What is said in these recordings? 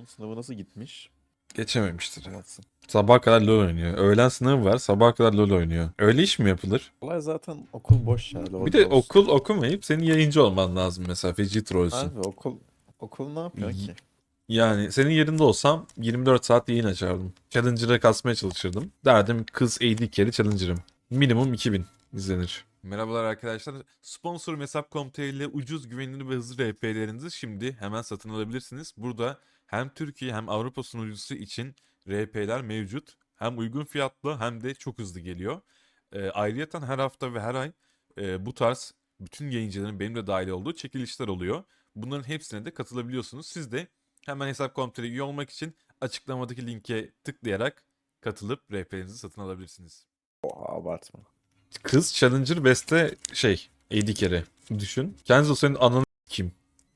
Sınavı nasıl gitmiş? Geçememiştir. Anlatsın. Sabaha kadar LoL oynuyor. Öğlen sınavı var. Sabaha kadar LoL oynuyor. Öyle iş mi yapılır? Olay zaten okul boş ya. Bir LoL'de de olsun. okul okumayıp senin yayıncı olman lazım mesela. Feci trollsün. Abi okul ne yapıyor Y- ki? Yani senin yerinde olsam 24 saat yayın açardım. Challenger'a kasmaya çalışırdım. Derdim kız AD carry Challenger'ım. Minimum 2000 izlenir. Merhabalar arkadaşlar. Sponsorum Hesap.com.tr ile ucuz, güvenilir ve hızlı RP'lerinizi şimdi hemen satın alabilirsiniz. Burada hem Türkiye hem Avrupa sunucusu için RP'ler mevcut. Hem uygun fiyatlı hem de çok hızlı geliyor. Ayrıyeten her hafta ve her ay bu tarz bütün yayıncıların benim de dahil olduğu çekilişler oluyor. Bunların hepsine de katılabiliyorsunuz. Siz de hemen Hesap.com.tr'ye üye olmak için açıklamadaki linke tıklayarak katılıp RP'lerinizi satın alabilirsiniz. Oha abartma. Kız Challenger Best'te AD carry. Düşün. Kenzo senin ananı kim?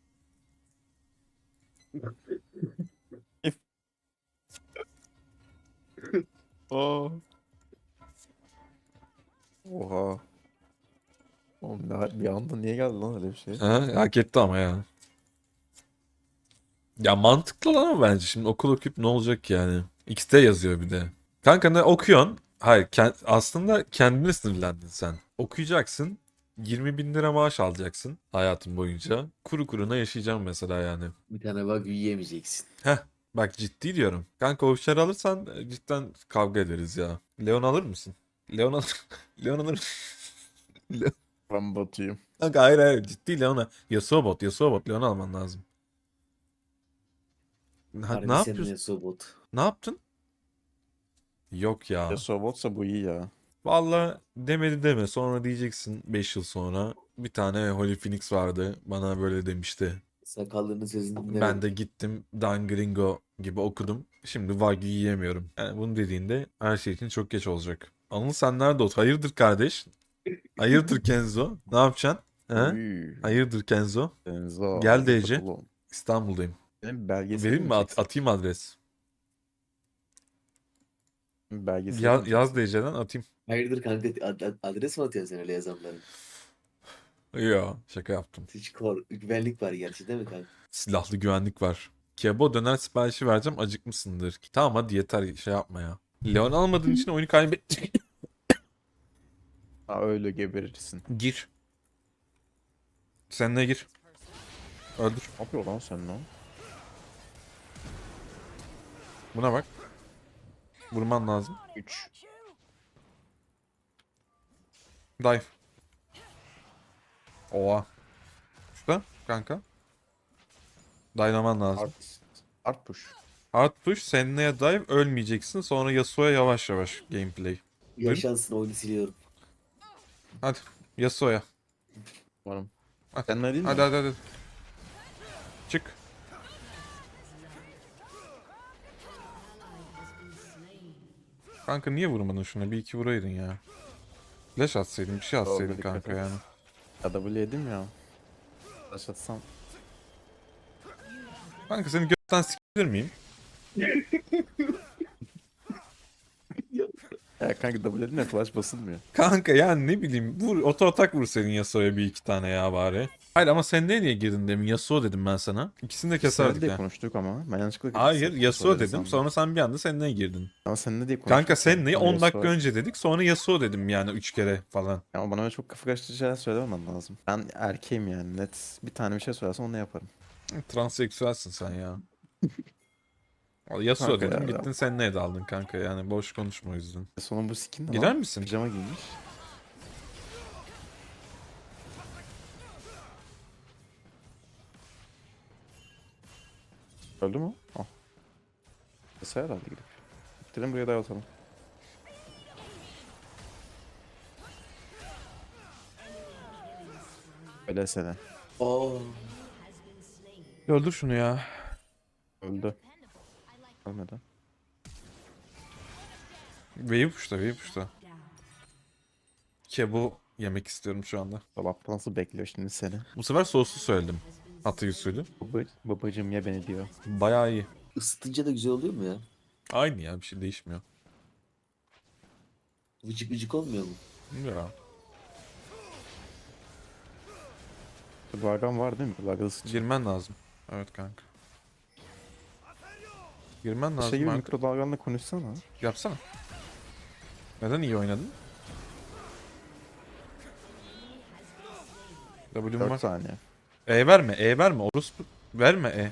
Aa. Oha. Oğlum bir anda niye geldi lan öyle bir şey? Ha, hak etti ama ya. Ya mantıklı lan ama bence. Şimdi okul okuyup ne olacak yani? X'te yazıyor bir de. Kanka ne okuyorsun? Hayır aslında kendine sınırlandın sen. Okuyacaksın. 20 bin lira maaş alacaksın hayatın boyunca. Kuru kuruna yaşayacaksın mesela yani. Bir tane bak yiyemeyeceksin. Heh, bak ciddi diyorum. Kanka o işleri alırsan cidden kavga ederiz ya. Leon alır mısın? Leon alır. Leon alır mısın? Ben batıyım. Kanka hayır ciddi Leon'a. Yasuo bot. Leon alman lazım. Ne Harbi senin yapıyorsun? ne sobot. Ne yaptın? Yok Ya ya. Sobotsa bu iyi ya. Valla demedi deme. Sonra diyeceksin 5 yıl sonra. Bir tane Holy Phoenix vardı. Bana böyle demişti. Sakallının sesini Ben de dinlemedim. gittim Dangringo gibi okudum. Şimdi Wagyu yiyemiyorum. Yani bunu dediğinde her şey için çok geç olacak. Anıl sen nerede ol? Hayırdır kardeş? Hayırdır Kenzo? Ne yapacaksın? He? Uy. Hayırdır Kenzo? Denzo Gel hayırdır DC. oğlum. İstanbul'dayım. Benim belgeseli Vereyim mi mi? çeksek? Atayım adres. Belgeseli mi Yaz çeksek? DC'den atayım. Hayırdır kanka adres mi atıyorsun sen öyle yazanların? Yo şaka yaptım. Hiç güvenlik var gerçi değil mi kanka? Silahlı güvenlik var. Kebo döner siparişi vereceğim acıkmışsındır. Tamam hadi yeter şey yapma ya. Leon almadığın için oyunu kaybet... Ha öyle geberirsin. Gir. Sen ne gir? Öldür. Ne yapıyor lan sen lan? Buna bak. Vurman lazım. 3. Dive. Oha. Şurada kanka. Dive'laman lazım. Art push. Hard push, Senna'ya dive ölmeyeceksin. Sonra Yasuo'ya yavaş yavaş gameplay. Buyurun. Yaşansın oyunu siliyorum. Hadi. Yasuo'ya. Varım. Hadi. Sen ne değil Hadi mi? hadi. Çık. Kanka niye vurmadın şuna? Bir iki vuraydın ya. Flash atsaydın, bir şey atsaydın Oldu dikkat kanka et. yani. Ya W yedim ya. Taş atsam. Kanka seni gökten sikilir miyim? Ya kanka W dedim ya flash basılmıyor. Kanka yani ne bileyim vur oto atak vur senin Yasuo'ya bir iki tane ya bari. Hayır ama sen niye girdin demin? Yasuo dedim ben sana. İkisini de Biz seninle keserdik diye ha. konuştuk ama ben yanlışlıkla Hayır Yasuo dedi dedim sandım. sonra sen bir anda Senna'ya girdin. Ama seninle diye Kanka konuştuk ya. Senna'yı Sonra 10 dakika Yasuo. önce dedik sonra Yasuo dedim yani 3 kere falan. Ama bana öyle çok kafa karıştırıcı şeyler söylememen lazım. Ben erkeğim yani net. Bir tane bir şey söylersen onu yaparım. Transseksüelsin sen ya. Vallahi Yasuo Kanka dedim ya. gittin Senna'ya daldın kanka yani boş konuşma o yüzden. Sonra bu skin ne Gider lan? misin? Pijama giymiş. Öldü mü? Oh. Kısa herhalde gidip. Gidelim buraya dayatalım. Öyle sene. Aa, Öldür şunu ya. Öldü. Ölmedi. Wave uçta. Kebo yemek istiyorum şu anda. Dolapta nasıl bekliyor şimdi seni? Bu sefer soslu söyledim. Hatay usulü. Babacım ye beni diyor. Bayağı iyi. ısıtınca da güzel oluyor mu ya? Aynı ya bir şey değişmiyor. Vıcık vıcık olmuyor mu? Ya. Vargan var değil mi? Vargan ısıtacak. Girmen lazım. Evet kanka. Girmen lazım Şey gibi artık. mikrodalganla konuşsana. Yapsana. Neden iyi oynadın? W'm 4 var. saniye. E verme, E verme. Orospu verme E.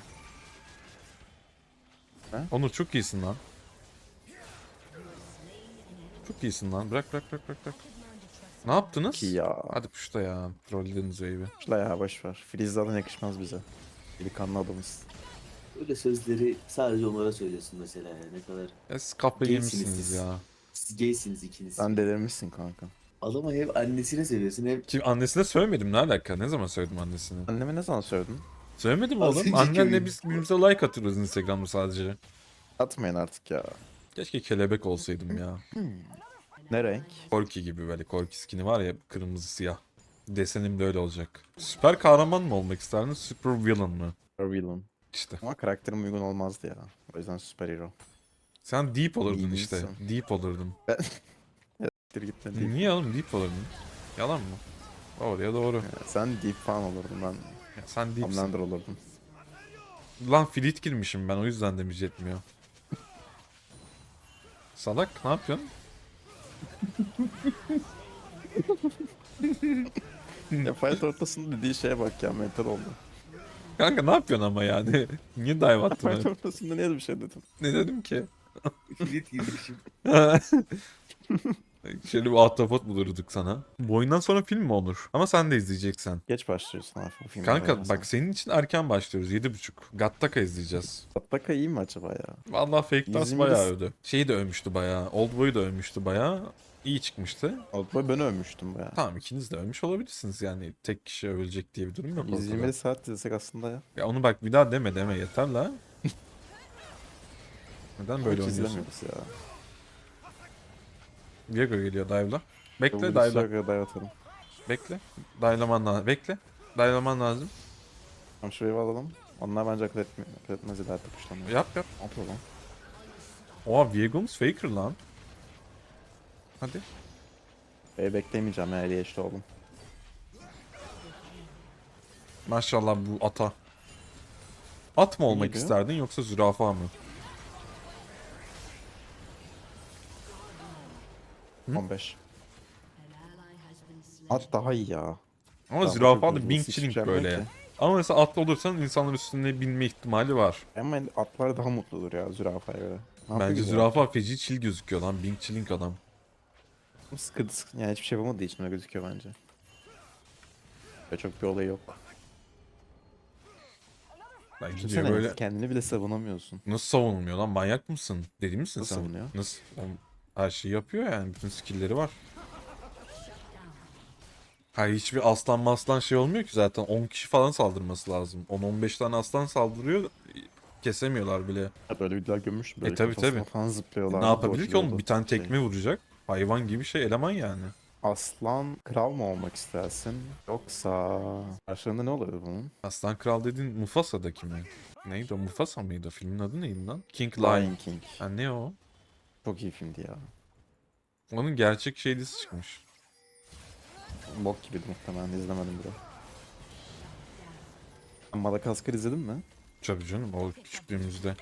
Ne? Onur çok iyisin lan. Çok iyisin lan. Bırak bırak bırak bırak. Bırak. Ne yaptınız? Ki ya. Hadi puşta ya. Trollediniz wave'i. Şla ya boşver. Freeze zaten yakışmaz bize. Delikanlı adamız. Öyle sözleri sadece onlara söylüyorsun mesela ya. Ne kadar Ya siz kafayı Gaysiniz yemişsiniz siz. ya. siz gaysiniz ikiniz. Sen delirmişsin kanka. Adama hem annesine seviyorsun hem Kim annesine söylemedim, ne alaka? Ne zaman söyledim annesine? Anneme ne zaman söyledin? Söylemedim Az oğlum. önceki Annenle oyun. biz birbirimize like atıyoruz Instagram'da sadece. Atmayın artık ya. Keşke kelebek olsaydım ya. Ne renk? Corki gibi böyle. Corki skin'i var ya, kırmızı siyah. Desenim de öyle olacak. Süper kahraman mı olmak isterdin? Super villain mı? Super villain. İşte. Ama karakterim uygun olmazdı ya. O yüzden süper hero. Sen deep olurdun İyi işte. misin? Deep olurdun. Siktir git ne diyeyim. Niye oğlum deep olurdun? Yalan mı? Doğruya doğru. Ya sen deep falan olurdun ben. Ya sen deepsin. Homelander olurdum. Lan fleet girmişim ben, o yüzden damage yetmiyor. Salak ne yapıyorsun? Ya fight ortasında dediği şeye bak ya mental oldu. Kanka ne yapıyorsun ama yani? Niye dive attın Fight öyle? ortasında niye bir şey dedim? Ne dedim ki? kilit girmişim. Şöyle bir ahtapot bulurduk sana. Bu oyundan sonra film mi olur? Ama sen de izleyeceksen. Geç başlıyorsun abi bu filmde. Kanka bak senin için erken başlıyoruz. 7.30. Gattaca izleyeceğiz. Gattaca iyi mi acaba ya? Vallahi Fake Tas 120 bayağı övdü. Şeyi de övmüştü bayağı. Oldboy'u da övmüştü bayağı. İyi çıkmıştı. Oldboy ben övmüştüm baya. Tamam, ikiniz de övmüş olabilirsiniz yani. Tek kişi övülecek diye bir durum yok ortada. 120 saat izlesek aslında ya. Ya onu bak bir daha deme yeter la. Neden böyle Hiç oynuyorsun? izlemiyoruz ya. Viego geliyor dive'la. Bekle Yolda dive'la. bir dive atalım. Bekle. Dive'laman lazım. Bekle. Dive'laman lazım. Tamam şurayı alalım. Onlar bence akıl etmez ileride kuşlanıyor. Yap yap. Ne yapalım? Oha Viego'muz faker lan. Hadi. Beklemeyeceğim ya eli eşli oğlum. Maşallah bu ata. At mı olmak İyiydi. isterdin yoksa zürafa mı? Hı? 15. At daha iyi ya. Ama Tamam, zürafa çok da hızlı, Bing hiçbir Chilling şey böyle yapmıyor ya. ki. Ama mesela atlı olursan insanların üstüne binme ihtimali var. Ama atlar daha mutludur ya zürafaya göre. Ne yapıyor Bence ki zürafa feci chill gözüküyor lan. Bing Chilling adam. Sıkıntı yani hiçbir şey yapamadığı için öyle gözüküyor bence. Ve çok bir olayı yok. Ben gidiyor Düşünsene böyle. kendini bile savunamıyorsun. Nasıl savunulmuyor lan? Manyak mısın? Deli misin Nasıl sen? savunuyor? Nasıl? Oğlum, her şeyi yapıyor yani. Bütün skill'leri var. Hayır, hiçbir aslan maslan şey olmuyor ki zaten. 10 kişi falan saldırması lazım. 10-15 tane aslan saldırıyor. Kesemiyorlar bile. Ya böyle videolar görmüştüm. Böyle tabii, kafasına tabii. falan zıplıyorlar. Ne yapabilir ki oğlum? dodge'luyordu. Bir tane tekme vuracak. Hayvan gibi şey, eleman yani. Aslan kral mı olmak istersin? Yoksa karşılığında ne oluyor bunun? Aslan Kral dediğin Mufasa'daki mi? Neydi o? Mufasa mıydı? Filmin adı neydi lan? King Lion. Lion King. Ha, ne o? Çok iyi filmdi ya. Onun gerçek şeylisi çıkmış. Bok gibiydi muhtemelen izlemedim bile. Sen Madagaskar izledin mi? Tabii canım, o küçüklüğümüzde.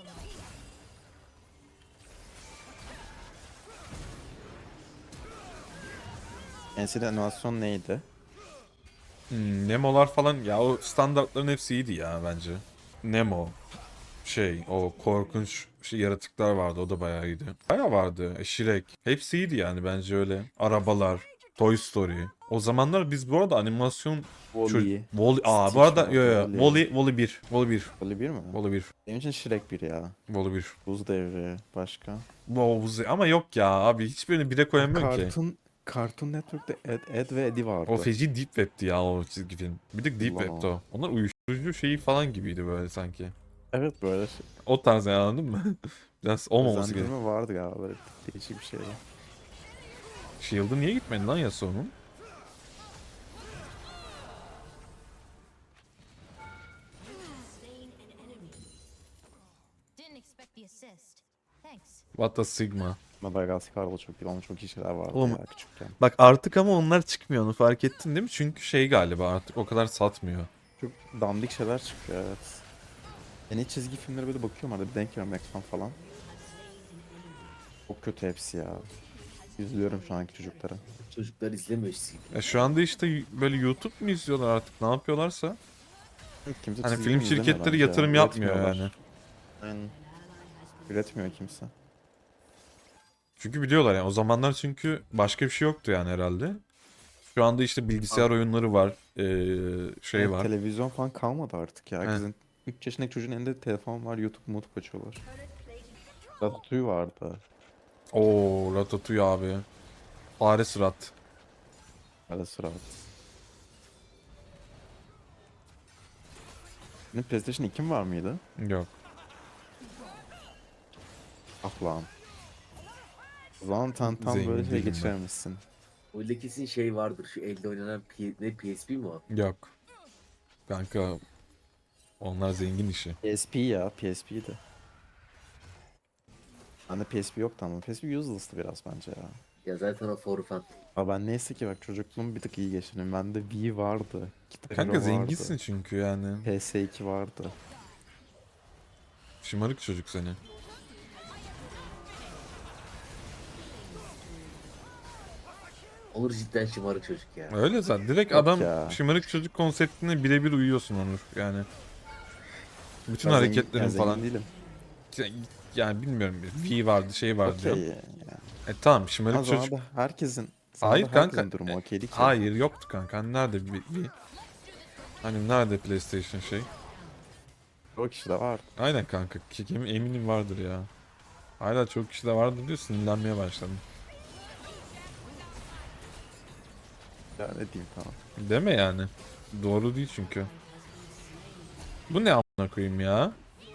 En sevdiğin animasyon neydi? Nemo'lar falan ya, o standartların hepsi iyiydi ya bence. Nemo, o korkunç yaratıklar vardı, o da bayağı iyiydi. Bayağı vardı. Shrek. Hepsi iyiydi yani bence öyle. Arabalar, Toy Story. O zamanlar biz bu arada animasyon Wall-E. Aa bu Stitch arada vardı, yo yo Wall-E. Wall-E 1. Wall-E 1. Wall-E 1 mi? Wall-E 1. Benim için Shrek 1 ya. Wall-E 1. Buz Devri başka. Ama yok ya abi, hiçbirini bire koyamıyorum ki. Cartoon Network'te Ed ve Eddie vardı. O feci Deep Web'ti ya o çizgi film. Bir de Deep Allah Web'ti Allah. o. Onlar uyuşturucu şeyi falan gibiydi böyle sanki. Evet böyle O tarz yani, anladın mı? Biraz olmaması gerek. özendirme vardı galiba böyle değişik bir şey. Shield'ı niye gitmedi lan Yasuo'nun? Didn't expect the assist. Thanks. What a Sigma. Madagaskar'da çok iyi. Onun çok iyi şeyler vardı Oğlum, ya küçükken. Bak artık ama onlar çıkmıyor, onu fark ettin değil mi? Çünkü galiba artık o kadar satmıyor. Çok dandik şeyler çıkıyor evet. Ben hiç çizgi filmlere böyle bakıyorum arada bir denk geliyorum ekran falan. Çok kötü hepsi ya. Üzülüyorum şu anki çocuklara. Çocuklar izlemiyor çizgi film. Şu anda işte böyle YouTube mu izliyorlar artık ne yapıyorlarsa. Kimse Hani çizgi film izlemiyor şirketleri bence ya. yatırım yapmıyor Üretmiyorlar. yani. Aynen. Üretmiyor kimse. Çünkü biliyorlar yani o zamanlar çünkü başka bir şey yoktu yani herhalde. Şu anda işte bilgisayar oyunları var, şey Evet, var. televizyon falan kalmadı artık ya. He. Herkesin 3 yaşındaki çocuğun elinde telefon var. YouTube açıyorlar. Ratatouille vardı. Oo, Ratatouille abi. Fare Sırat. Ara sıra. Senin PlayStation 2'm var mıydı? Yok. Ah lan. O zaman tam Zengin böyle şey değilim ben. geçirememişsin. Oyunda kesin şey vardır. Şu elde oynanan PSP mi o? Yok. Kanka onlar zengin işi. PSP ya, PSP'ydi. Bende PSP yoktu ama PSP useless'tı biraz bence ya. Ya zaten o for fun. Ama ben neyse ki bak çocukluğumu bir tık iyi geçirdim. Bende Wii vardı. Guitar Kanka Hero zenginsin vardı. çünkü yani. PS2 vardı. Şımarık çocuk seni. Onur cidden şımarık çocuk ya. Öyle zaten. Direkt Yok adam ya. şımarık çocuk konseptine birebir uyuyorsun Onur. Yani. Bütün Ben hareketlerin zengin falan. değilim. Yani bilmiyorum. Fi vardı şey vardı Okey diyorum. yani. Tamam şımarık Ama çocuk. zamanında herkesin Hayır kanka. durumu okeydi ki. Hayır yoktu kanka. Hani nerede Hani nerede PlayStation şey? O kişi de vardı. Aynen kanka. Eminim vardır ya. Hala çok kişi de vardır diyor sinirlenmeye başladım. Ya ne diyeyim tamam. Deme yani. Doğru değil çünkü. Bu ne amına koyayım ya?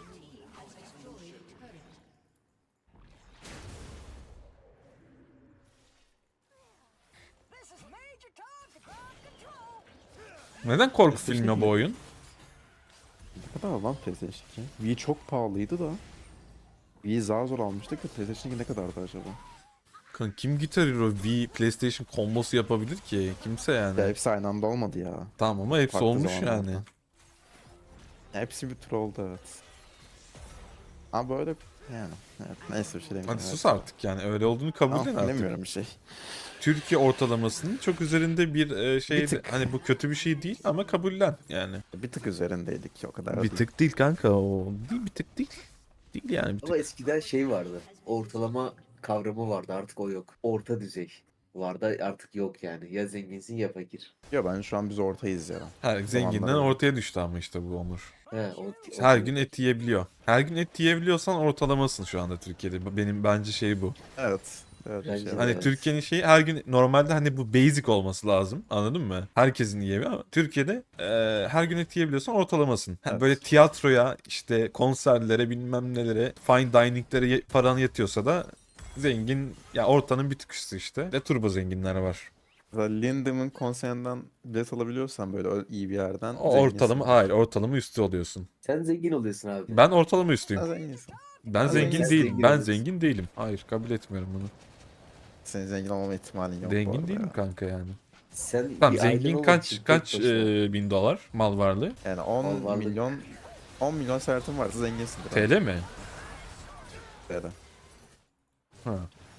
Neden korku filmi ya bu oyun? Ne kadar lan PlayStation 2? Wii çok pahalıydı da. Wii zar zor almıştık da PlayStation 2 ne kadardı acaba? Kanka kim Guitar Hero V PlayStation kombosu yapabilir ki? Kimse yani. Ya hepsi aynı anda olmadı ya. Tamam ama hepsi Farklı olmuş zamanlarda. yani. Hepsi bir tur oldu evet. Ama böyle yani evet, neyse bir şey demeyeyim. Hadi sus artık yani öyle olduğunu kabul edin artık. Bilemiyorum bir şey. Türkiye ortalamasının çok üzerinde bir şey Bir tık. hani bu kötü bir şey değil ama kabullen yani. Bir tık üzerindeydik o kadar Bir değil. tık değil kanka o. Değil bir tık değil. Değil yani bir Ama tık. eskiden şey vardı. Ortalama kavramı vardı. Artık o yok. Orta düzey vardı. Artık yok yani. Ya zenginsin ya fakir. Yo ben şu an biz ortayız ya. Her zenginden Zamanlar öyle. ortaya düştü ama işte bu Onur. He, Her gün et yiyebiliyor. Her gün et yiyebiliyorsan ortalamasın şu anda Türkiye'de. Benim bence şey bu. Evet. Evet, bir Bence şey de. var, Hani evet. Türkiye'nin şeyi her gün normalde hani bu basic olması lazım. Anladın mı? Herkesin yiyebiliyor ama Türkiye'de her gün et yiyebiliyorsan ortalamasın. Evet. Böyle tiyatroya, işte konserlere, bilmem nelere, fine dining'lere paran yetiyorsa da zengin ya ortanın bir tık üstü işte. Ve turbo zenginler var. Mesela Lindem'in konserinden bilet alabiliyorsan böyle iyi bir yerden O zenginsin. ortalama hayır ortalama üstü oluyorsun. Sen zengin oluyorsun abi. Ben ortalama üstüyüm. Ha, zenginsin. Ben Abi zengin sen değilim. zengin Ben oluyorsun. zengin değilim. Hayır kabul etmiyorum bunu. Senin zengin olmama ihtimalin yok bu Zengin arada değilim ya. kanka yani. Sen Tamam bir ailen zengin olmak için kaç tek başına- bin dolar mal varlığı? Yani 10 Al varlık. milyon 10 milyon servetin varsa zenginsindir. TL mi? TL. Ha.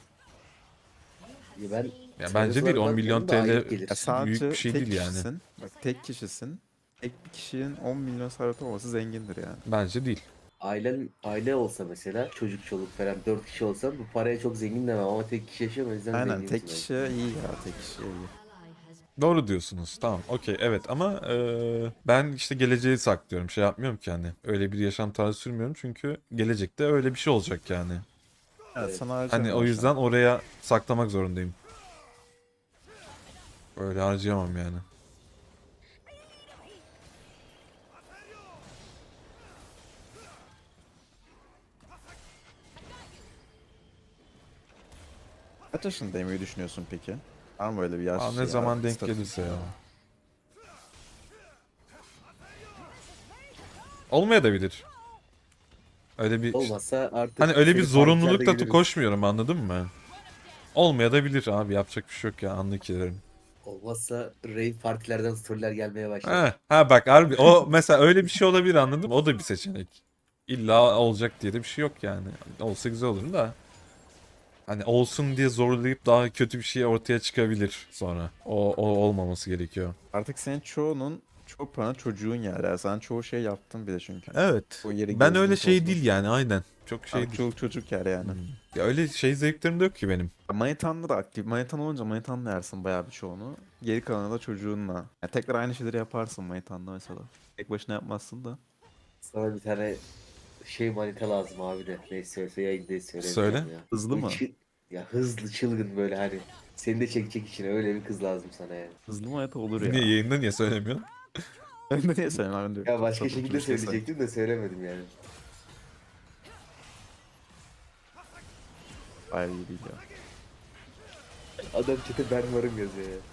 Ya ben Ya Çerez bence değil olarak 10 milyon bakmıyorum da aylık TL gelir. Ya sadece büyük bir şey tek değil yani. kişisin. Bak tek kişisin. Tek bir kişinin 10 milyon serveti olması zengindir yani. Bence değil. Aile olsa mesela çocuk çoluk falan 4 kişi olsa bu paraya çok zengin demem ama tek kişi yaşıyor o yüzden Aynen zenginsin tek kişi iyi ya tek kişi iyi. Doğru diyorsunuz. Tamam okey evet ama ben işte geleceği saklıyorum. Şey yapmıyorum ki hani. Öyle bir yaşam tarzı sürmüyorum çünkü gelecekte öyle bir şey olacak yani. Evet, Evet. sana Hani harcamıyor o şu yüzden an. oraya saklamak zorundayım. Öyle harcayamam yani. Kaç yaşındayım düşünüyorsun peki? Var mı böyle bir yaş Aa, ne ya, zaman denk statü? gelirse ya. Olmaya da bilir. Öyle bir Olmazsa artık hani öyle bir seni partilerde zorunlulukla görürüz. koşmuyorum anladın mı? Olmaya da bilir abi yapacak bir şey yok ya anlık ilerim. Olmazsa rave partilerden storyler gelmeye başlar. Ha bak harbi o mesela öyle bir şey olabilir anladın mı? O da bir seçenek. İlla olacak diye de bir şey yok yani. Olsa güzel olur da. Hani olsun diye zorlayıp daha kötü bir şey ortaya çıkabilir sonra. O olmaması gerekiyor. Artık senin çoğu paranı çocuğun yer. Yani sen çoğu şey yaptın bir de çünkü. Evet. O yeri Ben gezdin, öyle şey tozdun. değil yani aynen. Çok şey Artık değil. çoluk çocuk yer yani. Ya öyle şey zevklerim de yok ki benim. Manitanla da aktif. Manitan olunca manitanla yersin bayağı bir çoğunu. Geri kalanı da çocuğunla. Yani tekrar aynı şeyleri yaparsın manitanla mesela. Tek başına yapmazsın da. Sana bir tane şey manita lazım abi de. Neyse yayında Söyle. söylemeyeceğim ya. Hızlı mı? Ya hızlı çılgın böyle hani. Seni de çekecek içine öyle bir kız lazım sana yani. Hızlı manita olur Niye ya. yayında niye söylemiyorsun? Ben de niye sevmem ben de. Ya başka Çok şekilde bir şey söyleyecektim de söylemedim yani. Bayağı iyi değil ya. Adam çete ben varım yazıyor ya.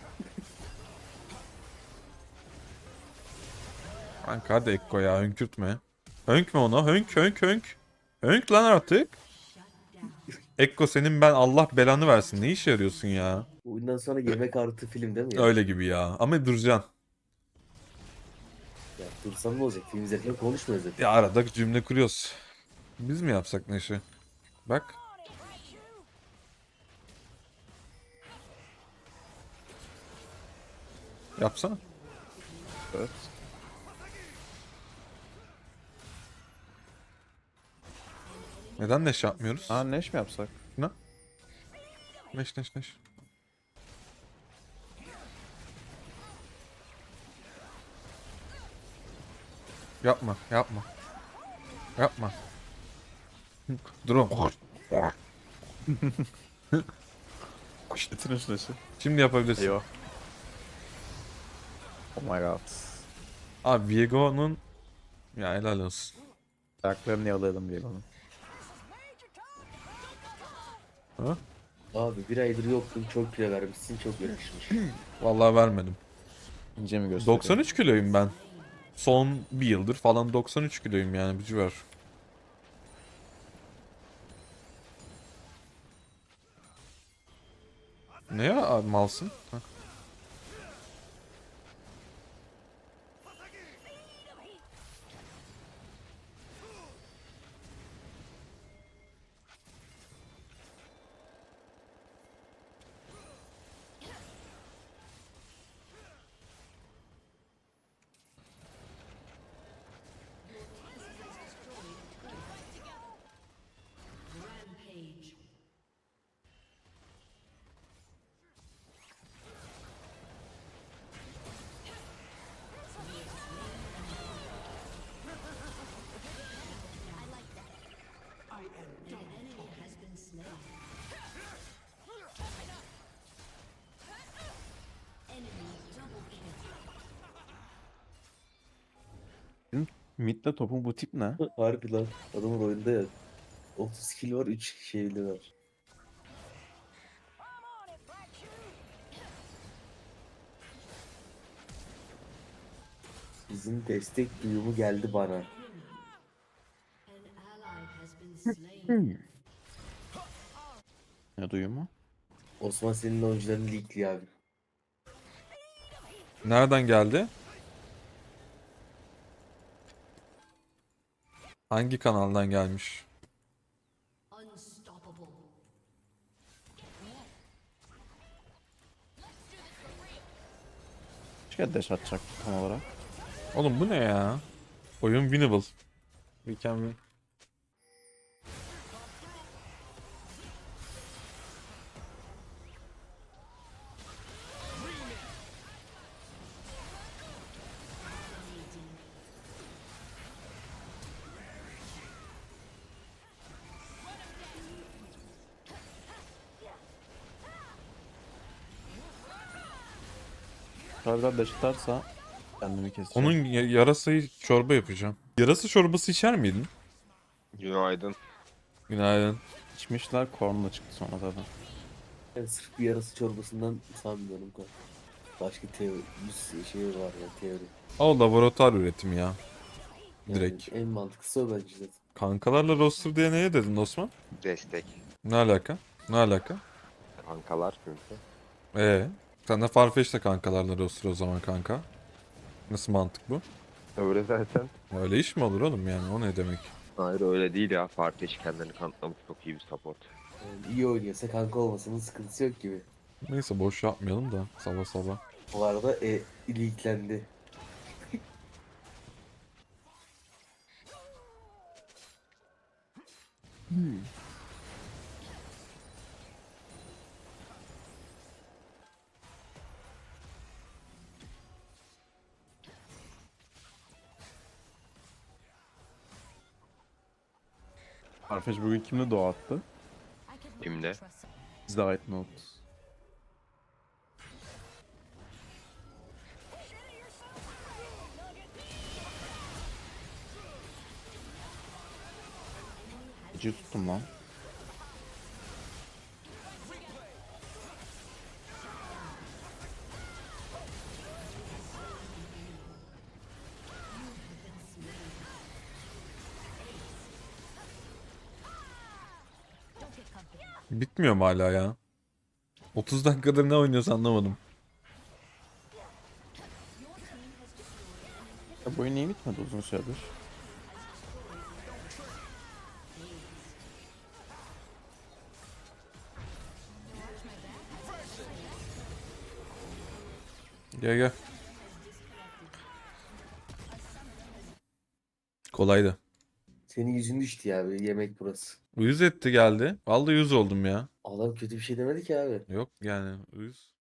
Kanka hadi Ekko ya hönkürtme. Hönkme ona hönk hönk hönk. Hönk lan artık. Ekko senin ben Allah belanı versin. Ne işe yarıyorsun ya? Bundan sonra yemek artı film değil mi ya? Öyle gibi ya. Ama duracaksın. Ya dursam ne olacak? Film izlerken konuşmuyoruz zaten. Ya arada cümle kuruyoruz. Biz mi yapsak Neşe? Bak. Yapsana. Evet. Neden Neşe yapmıyoruz? Aa neş mi yapsak? Ne? Neş neş neş. Yapma, yapma. Yapma. Durun. Getirin şu neşi. Şimdi yapabilirsin. Eyvah. Oh my god. Abi Viego'nun ya helal olsun. Ayaklarını yalayalım diye bana. Ha? Abi bir aydır yoktun çok kilo vermişsin çok yakışmış. Vallahi vermedim. İnce mi gösteriyor? 93 kiloyum ben. Son bir yıldır falan 93 kiloyum yani bu civar. Ne ya abi malsın? Heh. Mid'le topun bu tip ne? Harbi lan adamın oyunda ya. 30 kill var 3 şeyli var. Bizim destek duyumu geldi bana. Ne duyumu? Osman senin oyuncularını leakliyor abi. Nereden geldi? Hangi kanaldan gelmiş? Başka dash atacak tam olarak. Oğlum bu ne ya? Oyun winnable. We can win. Harbiden dash atarsa kendimi keseceğim. Onun yarasayı çorba yapacağım. Yarasa çorbası içer miydin? Günaydın. Günaydın. İçmişler kornla çıktı sonra zaten. Ben sırf bir yarası çorbasından sanmıyorum kanka. Başka teori, bir şey var ya teori. O laboratuvar üretimi ya. Yani Direkt. en mantıklısı o bence zaten. Kankalarla roster diye neye dedin Osman? Destek. Ne alaka? Ne alaka? Kankalar çünkü. Sen de Farfetch'le kankalarla roster o zaman kanka. Nasıl mantık bu? Öyle zaten. Öyle iş mi olur oğlum yani o ne demek? Hayır öyle değil ya. Fatih kendini kanıtlamış çok iyi bir support. Yani iyi oynuyorsa kanka olmasının sıkıntısı yok gibi. Neyse boş yapmayalım da sabah sabah. Bu arada iliklendi. Farfetch bugün kimle doğa attı? I could really Kimde? trust Bizde ait not. Gıcı tuttum lan. Don't get comfortable. Bitmiyor mu hala ya? 30 dakikadır ne oynuyoruz anlamadım. Ya bu oyun niye bitmedi uzun süredir? Gel gel. Kolaydı. Senin yüzün düştü ya bir yemek burası. Uyuz etti geldi. Vallahi uyuz oldum ya. Adam kötü bir şey demedi ki abi. Yok yani uyuz.